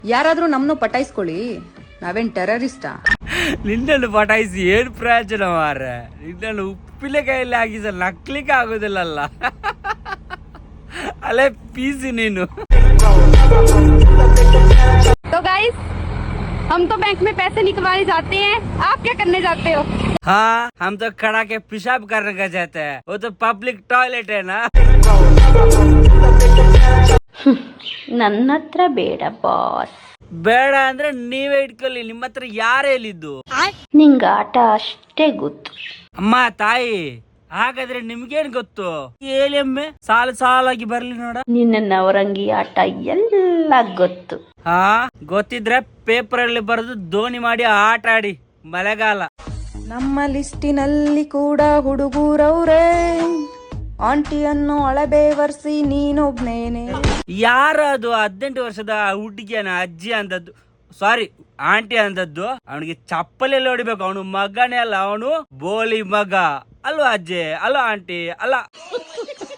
ಯಾರಾದ್ರೂ ನಮ್ನು ಪಟಾಯಿಸ್ಕೊಳ್ಳಿ, ನಾವೇನ್ ಟೆರರಿಸ್ಟಾ? ನಿನ್ನನ್ನು ಪಟಾಯಿಸಿ ಏನ್ ಪ್ರಯೋಜನ ಮಾರ? ನಿನ್ನನ್ನು ಉಪ್ಪಿನಕಾಯಲ್ಲಿ ಹಾಕಿಸ ನಕ್ಲಿಕ್ಕೆ ಆಗೋದಿಲ್ಲಲ್ಲ. ಅಲ್ಲೇ ಪೀಸಿ ನೀನು. तो गाइस, हम तो बैंक में पैसे निकलवाने जाते हैं, आप क्या करने जाते हो? हाँ, हम तो खड़ा के पेशाब करने का जाते हैं, वो तो पब्लिक टॉयलेट है ना. ನನ್ನ ಹತ್ರ ಬೇಡ ಬಾಸ್. ಬೇಡ ಅಂದ್ರೆ ನೀವೇ ಇಟ್ಕೊಳ್ಳಿ, ನಿಮ್ಮ ಹತ್ರ ಯಾರು ಹೇಳಿದ್ದು? ನಿಂಗ ಆಟ ಅಷ್ಟೇ ಗೊತ್ತು. ಅಮ್ಮ ತಾಯಿ, ಹಾಗಾದ್ರೆ ನಿಮ್ಗೇನ್ ಗೊತ್ತು? ಹೇಳಿ ಒಮ್ಮೆ, ಸಾಲಾಗಿ ಬರ್ಲಿ ನೋಡ. ನಿನ್ನ ನವರಂಗಿ ಆಟ ಎಲ್ಲ ಗೊತ್ತು. ಹಾ, ಗೊತ್ತಿದ್ರೆ ಪೇಪರ್ ಅಲ್ಲಿ ಬರೆದು ದೋಣಿ ಮಾಡಿ ಆಟ ಆಡಿ. ಮಳೆಗಾಲ. ನಮ್ಮ ಲಿಸ್ಟಿನಲ್ಲಿ ಕೂಡ ಹುಡುಗರವ್ರೆ, ಆಂಟಿಯನ್ನು ಅಳಬೇವರ್ಸಿ ನೀನೊಬ್ನೇನೆ. ಯಾರು ಅದು 18 ವರ್ಷದ ಹುಡುಗಿಯನ ಅಜ್ಜಿ ಅಂದದ್ದು, ಸಾರಿ ಆಂಟಿ ಅಂದದ್ದು? ಅವನಿಗೆ ಚಪ್ಪಲೆಲ್ಲ ಹೊಡಿಬೇಕು. ಅವನು ಮಗನೇ ಅಲ್ಲ, ಅವನು ಬೋಳಿ ಮಗ. ಅಲ್ವಾ ಅಜ್ಜಿ? ಅಲ್ಲ ಆಂಟಿ? ಅಲ್ಲ